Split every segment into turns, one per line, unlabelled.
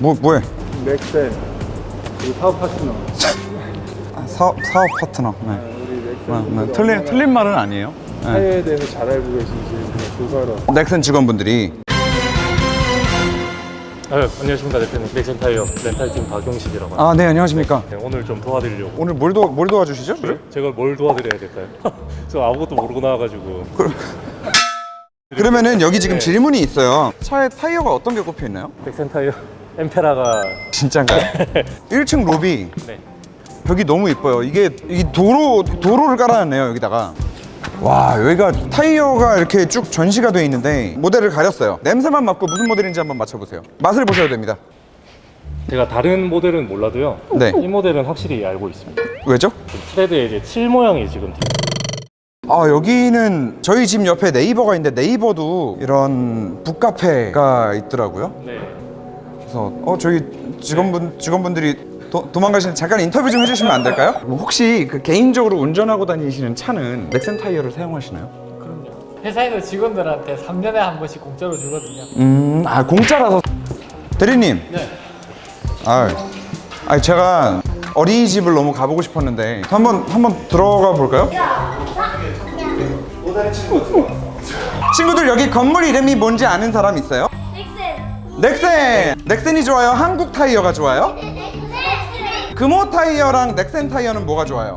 뭐해?
넥센 그리고 사업 파트너.
사업 파트너. 네.
우리 넥센
틀린 말은 아니에요. 네.
타이어에 대해서 잘 알고 계신지 그냥 조사하러.
넥센 직원분들이.
안녕하십니까 대표님. 넥센 타이어 렌탈팀 박용식이라고 합니다.
아, 네, 안녕하십니까.
네, 오늘 좀 도와드리려고.
오늘 뭘 도와주시죠?
제가 뭘 도와드려야 될까요? 저 아무것도 모르고 나와가지고.
그러면은 여기 지금 질문이 있어요. 차에 타이어가 어떤 게 꼽혀 있나요?
넥센 타이어 엠페라가.
진짜인가요? 1층 로비
네.
벽이 너무 이뻐요. 이게 도로를 깔아놨네요, 여기다가. 와, 여기가 타이어가 이렇게 쭉 전시가 돼 있는데 모델을 가렸어요. 냄새만 맡고 무슨 모델인지 한번 맞춰보세요. 맛을 보셔야 됩니다.
제가 다른 모델은 몰라도요.
네.
이 모델은 확실히 알고 있습니다.
왜죠?
트레드에 이제 7 모양이 지금.
아, 여기는 저희 집 옆에 네이버가 있는데 네이버도 이런 북카페가 있더라고요.
네.
그래서 저희 직원분들이 도망가시는 잠깐 인터뷰 좀 해주시면 안 될까요? 뭐 혹시 그 개인적으로 운전하고 다니시는 차는 넥센 타이어를 사용하시나요?
그럼요. 회사에서 직원들한테 3년에 한 번씩 공짜로 주거든요.
아, 공짜라서. 대리님.
네.
제가 어린이집을 너무 가보고 싶었는데 한번 들어가 볼까요? 친구들, 여기 건물 이름이 뭔지 아는 사람 있어요? 넥센이 좋아요? 한국 타이어가 좋아요? 금호 타이어랑 넥센 타이어는 뭐가 좋아요?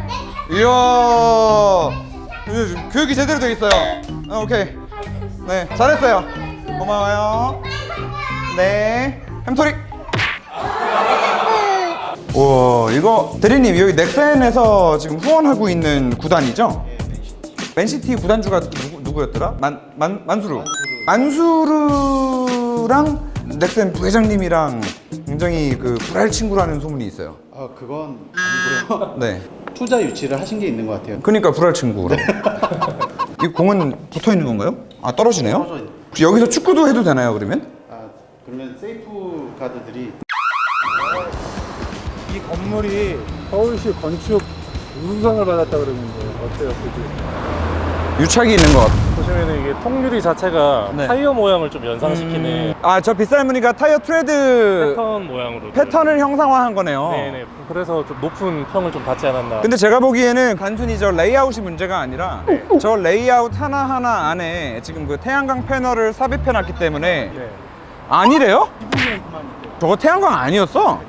이야, 교육이 제대로 돼 있어요. 오케이. 네, 잘했어요. 고마워요. 네, 햄토리. 와, 이거 대리님, 여기 넥센에서 지금 후원하고 있는 구단이죠? 맨시티 구단주가 누구였더라? 만수르랑 넥센 부회장님이랑 굉장히 그 불알 친구라는 소문이 있어요.
아, 그건 아니고요.
네.
투자 유치를 하신 게 있는 것 같아요.
그러니까 불알 친구로. 이 공은 붙어 있는 건가요? 아, 떨어지네요?
떨어져 있는.
혹시 여기서 축구도 해도 되나요, 그러면?
아, 그러면 세이프 카드들이
이 건물이 서울시 건축 우수상을 받았다 그러는데 어때요, 그지?
유착이 있는 것 같아요.
보시면은 이게 통유리 자체가
네.
타이어 모양을 좀 연상시키는
아, 저 빗살 무늬가 타이어 트레드
패턴 모양으로.
패턴을 형상화한 거네요.
네네. 그래서 좀 높은 평을 좀 받지 않았나.
근데 제가 보기에는 단순히 저 레이아웃이 문제가 아니라 저 레이아웃 하나하나 안에 지금 그 태양광 패널을 삽입해 놨기 때문에.
네.
아니래요? 저거 태양광 아니었어?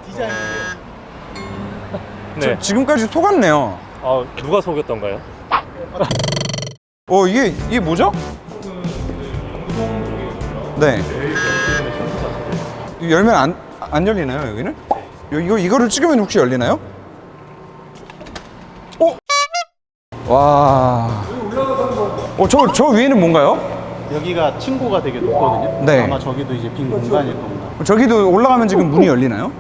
네.
지금까지 속았네요.
누가 속였던가요?
이게 뭐죠? 네. 이거 열면 안 열리나요, 여기는? 이거를 찍으면 혹시 열리나요? 와. 저 위에는 뭔가요?
여기가 층고가 되게 높거든요.
네.
아마 저기도 이제 빈 공간일 겁니다.
저기도 올라가면 지금 문이 열리나요?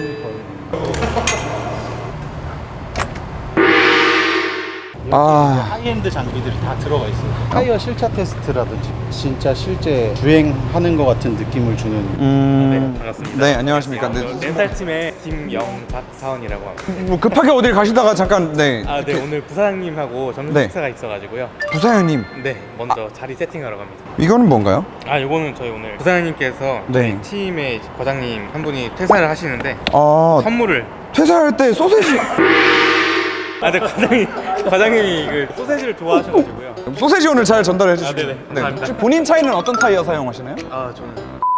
하이엔드 장비들이 다 들어가 있어요. 타이어 실차 테스트라든지 진짜 실제 주행하는 것 같은 느낌을 주는.
네, 반갑습니다.
네, 안녕하십니까. 네.
렌탈팀의 김영박사원이라고 합니다.
뭐 급하게 어딜 가시다가 잠깐, 네.
네, 오늘 부사장님하고 점심
네.
식사가 있어가지고요.
부사장님,
네, 먼저 자리 세팅하러 갑니다.
이거는 뭔가요?
요거는 저희 오늘 부사장님께서
네.
저희 팀의 과장님 한 분이 퇴사를 하시는데 선물을.
퇴사할 때 소세지.
네, 과장님이 그 소세지를 좋아하셔가지고요.
소세지 오늘 잘 전달해 주시고.
네네, 감사합니다.
혹시 본인 차이는 어떤 타이어 사용하시나요?
저는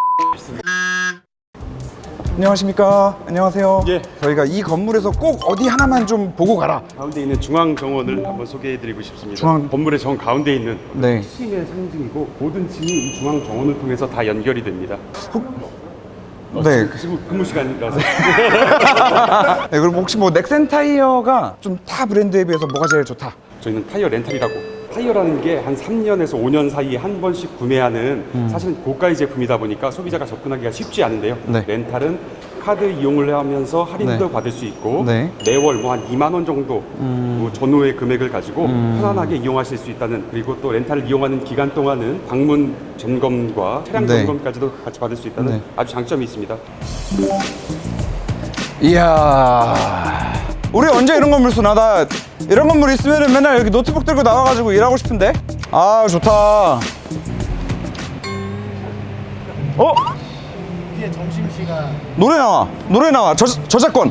안녕하십니까. 안녕하세요.
예.
저희가 이 건물에서 꼭 어디 하나만 좀 보고 가라.
가운데 있는 중앙 정원을 한번 소개해드리고 싶습니다.
중앙-
건물의 정 가운데 있는
네.
층의 상징이고 모든 층이 이 중앙 정원을 통해서 다 연결이 됩니다.
네.
지금 근무 시간이라서
네. 그럼 혹시 뭐 넥센 타이어가 좀 타 브랜드에 비해서 뭐가 제일 좋다?
저희는 타이어 렌탈이라고. 타이어라는 게 한 3년에서 5년 사이에 한 번씩 구매하는 사실은 고가의 제품이다 보니까 소비자가 접근하기가 쉽지 않은데요.
네.
렌탈은 카드 이용을 하면서 할인도
네.
받을 수 있고
네.
매월 뭐 한 2만 원 정도 뭐 전후의 금액을 가지고 편안하게 이용하실 수 있다는, 그리고 또 렌탈을 이용하는 기간 동안은 방문 점검과 차량
네.
점검까지도 같이 받을 수 있다는
네.
아주 장점이 있습니다.
이야. 우리 언제 이런 건물 쓰나? 나 이런 건물 있으면 맨날 여기 노트북 들고 나와가지고 일하고 싶은데? 좋다.
이제 점심시간.
노래 나와. 저작권.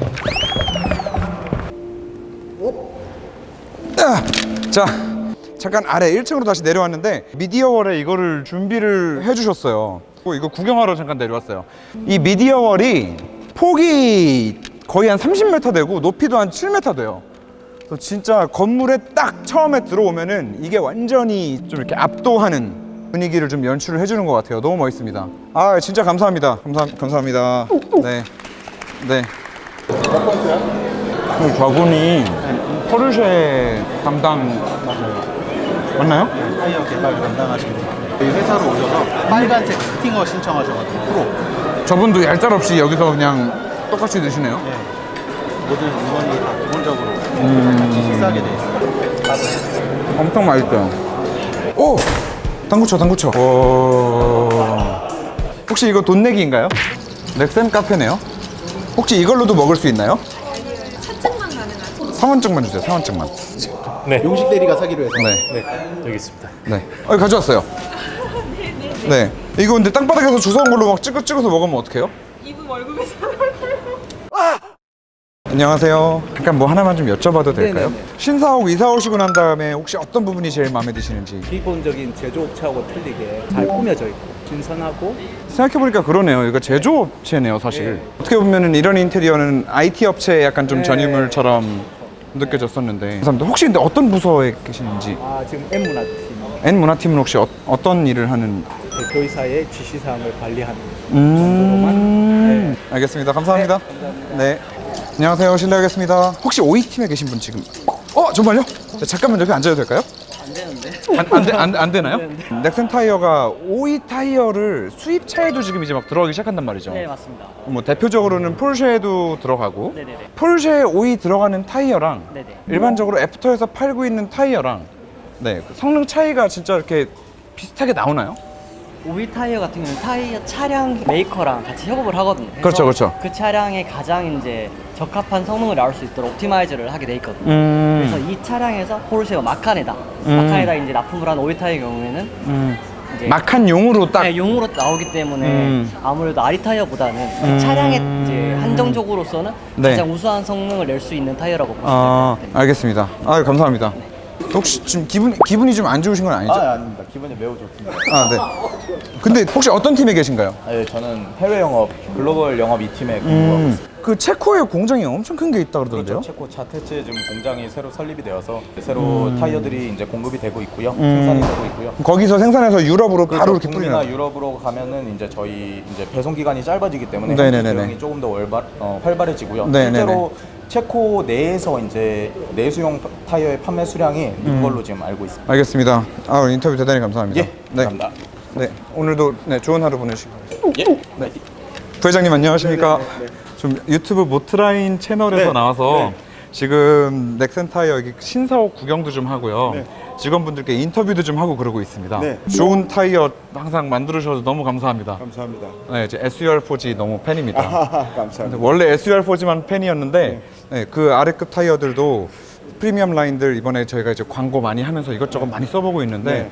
자, 잠깐 아래 1층으로 다시 내려왔는데 미디어월에 이거를 준비를 해주셨어요. 이거 구경하러 잠깐 내려왔어요. 이 미디어월이 폭이 거의 한 30m 되고 높이도 한 7m 돼요. 그래서 진짜 건물에 딱 처음에 들어오면은 이게 완전히 좀 이렇게 압도하는 분위기를 좀 연출을 해주는 것 같아요. 너무 멋있습니다. 아, 진짜 감사합니다. 감사합니다. 네. 네. 저분이 포르쉐 담당 맞나요?
타이어 개발 담당하시는 분. 저희 회사로 오셔서 빨간색 스팅어 신청하셔가지고 프로.
저분도 얄짤없이 여기서 그냥 똑같이 드시네요.
네. 모든 물건이 다 기본적으로 같이 식사하게 돼 있어요.
엄청 맛있어요. 오! 당구쳐. 혹시 이거 돈 내기인가요? 넥센 카페네요. 혹시 이걸로도 먹을 수 있나요?
사증만 가능하죠?
상원증만 주세요. 상원증만.
용식 대리가 사기로 해서.
네.
여기 있습니다.
네. 가져왔어요. 네. 이거 근데 땅바닥에서 주워온 걸로 막 찍어서 먹으면 어떡해요?
이분 월급에서
안녕하세요. 잠깐 뭐 하나만 좀 여쭤봐도 될까요? 신사옥 이사 오시고 난 다음에 혹시 어떤 부분이 제일 마음에 드시는지.
기본적인 제조업체하고 틀리게 잘 꾸며져 있고 신선하고
생각해보니까 그러네요. 이거 제조업체네요, 사실. 어떻게 보면은 이런 인테리어는 IT 업체의 약간 좀 전유물처럼 느껴졌었는데. 감사합니다. 혹시 근데 어떤 부서에 계시는지.
지금 M문화팀
N문화팀은 혹시 어떤 일을 하는?
대표이사의 지시사항을 관리하는 정도로만
알겠습니다. 감사합니다. 네. 안녕하세요. 실례하겠습니다. 혹시 OE팀에 계신 분 지금? 정말요? 네, 잠깐만 여기 앉아도 될까요?
안 되는데
안 되나요? 넥센 타이어가 OE 타이어를 수입차에도 지금 이제 막 들어가기 시작한단 말이죠.
네 맞습니다.
뭐 대표적으로는 폴쉐에도 들어가고
네네네.
폴쉐 OE 들어가는 타이어랑
네네.
일반적으로 애프터에서 팔고 있는 타이어랑 그 성능 차이가 진짜 이렇게 비슷하게 나오나요?
오일 타이어 같은 경우는 타이어 차량 메이커랑 같이 협업을 하거든요. 그래서
그렇죠.
그 차량에 가장 이제 적합한 성능을 나올 수 있도록 옵티마이즈를 하게 돼 있거든요. 그래서 이 차량에서 포르쉐와 마칸에다 이제 납품을 한 오일 타이어 경우에는 이제
마칸용으로 딱
네, 용으로 나오기 때문에 아무래도 아리 타이어보다는 그 차량에 이제 한정적으로서는
네.
가장 우수한 성능을 낼 수 있는 타이어라고 보시면 됩니다.
알겠습니다. 감사합니다. 혹시 지금 기분이 좀 안 좋으신 건 아니죠?
아닙니다. 기분이 매우 좋습니다.
네. 근데 혹시 어떤 팀에 계신가요?
네, 저는 해외 영업, 글로벌 영업 2팀에 근무하고 있습니다.
그 체코에 공장이 엄청 큰 게 있다 그러던데요?
그렇죠. 체코 차테츠에 지금 공장이 새로 설립이 되어서 새로 타이어들이 이제 공급이 되고 있고요. 생산이 되고 있고요.
거기서 생산해서 유럽으로 바로 이렇게
북미나
뿌리나요?
유럽으로 가면은 이제 저희 이제 배송 기간이 짧아지기 때문에
네네네네.
대응이 조금 더 활발해지고요.
네네네.
실제로 체코 내에서 이제 내수용 타이어의 판매 수량이 는 걸로 지금 알고 있습니다.
알겠습니다. 인터뷰 대단히 감사합니다.
예, 감사합니다.
네, 오늘도 좋은 하루 보내시고. 네. 부회장님 안녕하십니까? 좀 유튜브 모트라인 채널에서 나와서 지금 넥센 타이어 여기 신사옥 구경도 좀 하고요. 직원분들께 인터뷰도 좀 하고 그러고 있습니다. 좋은 타이어 항상 만들어 주셔서 너무 감사합니다.
감사합니다.
네, 이제 SUR4G 너무 팬입니다.
감사합니다.
원래 SUR4G만 팬이었는데 그 아래급 타이어들도 프리미엄 라인들 이번에 저희가 이제 광고 많이 하면서 이것저것 많이 써보고 있는데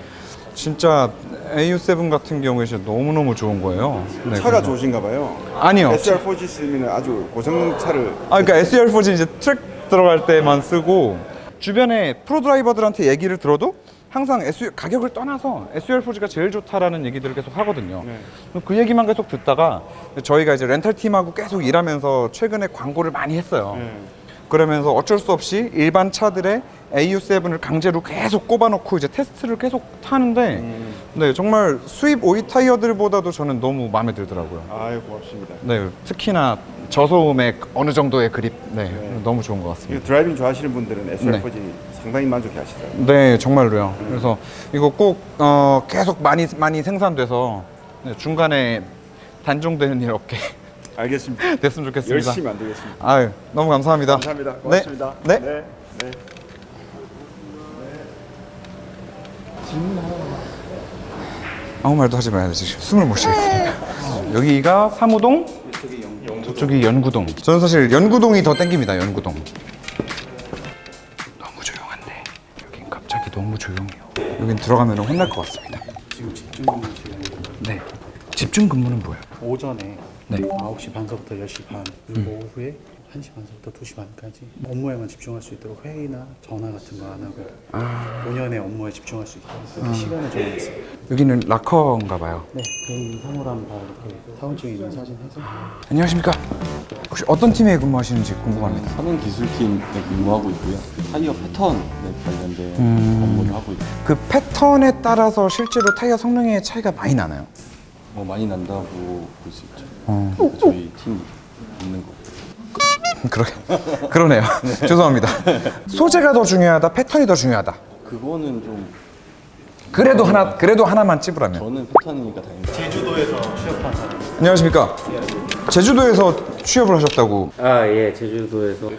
진짜 AU7 같은 경우에 진짜 너무너무 좋은 거예요. 네,
차가
그래서-
좋으신가 봐요.
아니요.
SR4G 쓰면 아주 고성차를
그러니까 SUR4G 이제 트랙 들어갈 때만 쓰고 주변에 프로 드라이버들한테 얘기를 들어도 항상 가격을 떠나서 SUR4G가 제일 좋다라는 얘기들을 계속 하거든요. 그 얘기만 계속 듣다가 저희가 이제 렌탈 팀하고 계속 일하면서 최근에 광고를 많이 했어요. 그러면서 어쩔 수 없이 일반 차들의 AU7을 강제로 계속 꼽아놓고 이제 테스트를 계속 타는데 네, 정말 수입 OE 타이어들보다도 저는 너무 마음에 들더라고요.
아유 고맙습니다.
네, 특히나 저소음의 어느 정도의 그립, 너무 좋은 것
이거
같습니다.
드라이빙 좋아하시는 분들은 SR4G 상당히 만족해 하시더라고요.
네, 정말로요. 그래서 이거 꼭 계속 많이 생산돼서 중간에 단종되는 일 없게
알겠습니다.
됐으면 좋겠습니다.
열심히 만들겠습니다.
아유, 너무 감사합니다.
감사합니다. 고맙습니다.
네.
네. 네.
아무 말도 하지 마야 되지. 숨을 못 쉬겠습니다. 여기가 사무동, 저쪽이 연구동. 저는 사실 연구동이 더 땡깁니다. 연구동. 너무 조용한데 여긴 갑자기 너무 조용해요. 여긴 들어가면 혼날 것 같습니다.
지금 집중 근무 시간이
네. 집중 근무는 뭐예요?
오전에
네.
9시 반서부터 10시 반, 그리고 오후에 1시 반서부터 2시 반까지 업무에만 집중할 수 있도록 회의나 전화 같은 거 안 하고 본연의 업무에 집중할 수 있도록 그렇게 시간을 정해놨어요.
여기는 락커인가 봐요.
네, 개인 사물함 다 이렇게 사원증에 있는 사진 해서.
안녕하십니까. 혹시 어떤 팀에 근무하시는지 궁금합니다.
산업 기술팀에 근무하고 있고요. 타이어 패턴에 관련된 업무를 하고 있고
그 패턴에 따라서 실제로 타이어 성능의 차이가 많이 나나요?
많이 난다고 볼 수 있죠. 저희 팀이 있는 거.
그러네요. 죄송합니다. 소재가 더 중요하다, 패턴이 더 중요하다.
그거는 좀
그래도 하나만 찝으라면.
저는 패턴이니까 다행이죠.
제주도에서 취업한 사람.
안녕하십니까. 제주도에서 취업을 하셨다고.
아, 예, 제주도에서.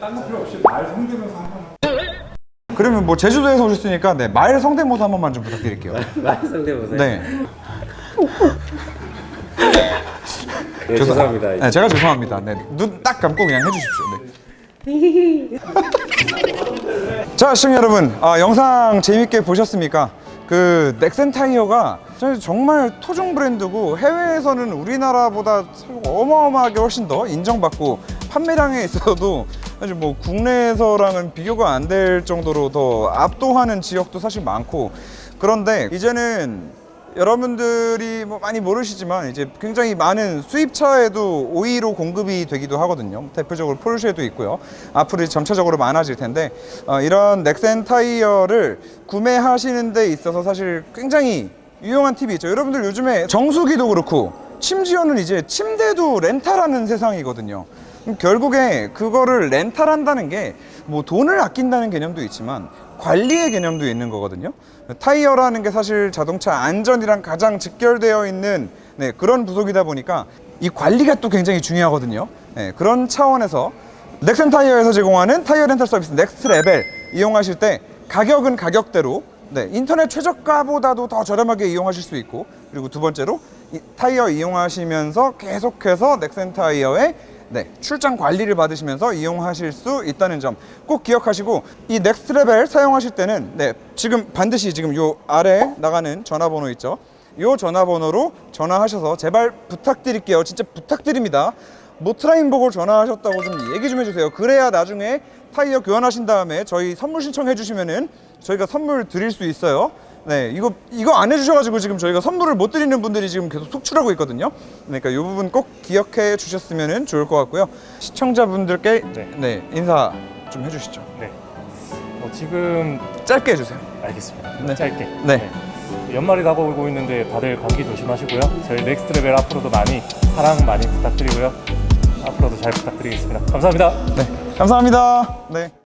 그러면 뭐 제주도에서 오셨으니까 네, 말 성대모사 한 번만 좀 부탁드릴게요.
말 상대보세요.
네.
네, 죄송합니다.
네, 제가 죄송합니다. 네, 눈 딱 감고 그냥 해주십시오. 네. 자, 시청자 여러분, 영상 재밌게 보셨습니까? 그 넥센 타이어가 정말 토종 브랜드고 해외에서는 우리나라보다 어마어마하게 훨씬 더 인정받고 판매량에 있어서도 사실 뭐 국내에서랑은 비교가 안 될 정도로 더 압도하는 지역도 사실 많고, 그런데 이제는 여러분들이 뭐 많이 모르시지만 이제 굉장히 많은 수입차에도 5위로 공급이 되기도 하거든요. 대표적으로 포르쉐도 있고요. 앞으로 점차적으로 많아질 텐데 이런 넥센 타이어를 구매하시는 데 있어서 사실 굉장히 유용한 팁이 있죠. 여러분들 요즘에 정수기도 그렇고 심지어는 이제 침대도 렌탈하는 세상이거든요. 결국에 그거를 렌탈한다는 게 뭐 돈을 아낀다는 개념도 있지만 관리의 개념도 있는 거거든요. 타이어라는 게 사실 자동차 안전이랑 가장 직결되어 있는 그런 부속이다 보니까 이 관리가 또 굉장히 중요하거든요. 그런 차원에서 넥센 타이어에서 제공하는 타이어 렌탈 서비스 넥스트 레벨 이용하실 때 가격은 가격대로 인터넷 최저가보다도 더 저렴하게 이용하실 수 있고, 그리고 두 번째로 타이어 이용하시면서 계속해서 넥센 타이어의 출장 관리를 받으시면서 이용하실 수 있다는 점 꼭 기억하시고, 이 넥스트 레벨 사용하실 때는 지금 반드시 지금 요 아래 나가는 전화번호 있죠. 요 전화번호로 전화하셔서 제발 부탁드릴게요. 진짜 부탁드립니다. 모트라인 보고 전화하셨다고 좀 얘기 좀 해주세요. 그래야 나중에 타이어 교환하신 다음에 저희 선물 신청해 주시면은 저희가 선물 드릴 수 있어요. 네, 이거 안 해주셔가지고 지금 저희가 선물을 못 드리는 분들이 지금 계속 속출하고 있거든요. 그러니까 이 부분 꼭 기억해 주셨으면 좋을 것 같고요. 시청자분들께 인사 좀 해주시죠.
네. 지금
짧게 해주세요.
알겠습니다. 짧게.
네.
연말이 다가오고 있는데 다들 감기 조심하시고요. 저희 넥스트 레벨 앞으로도 많이 사랑 많이 부탁드리고요. 앞으로도 잘 부탁드리겠습니다. 감사합니다.
네, 감사합니다. 네.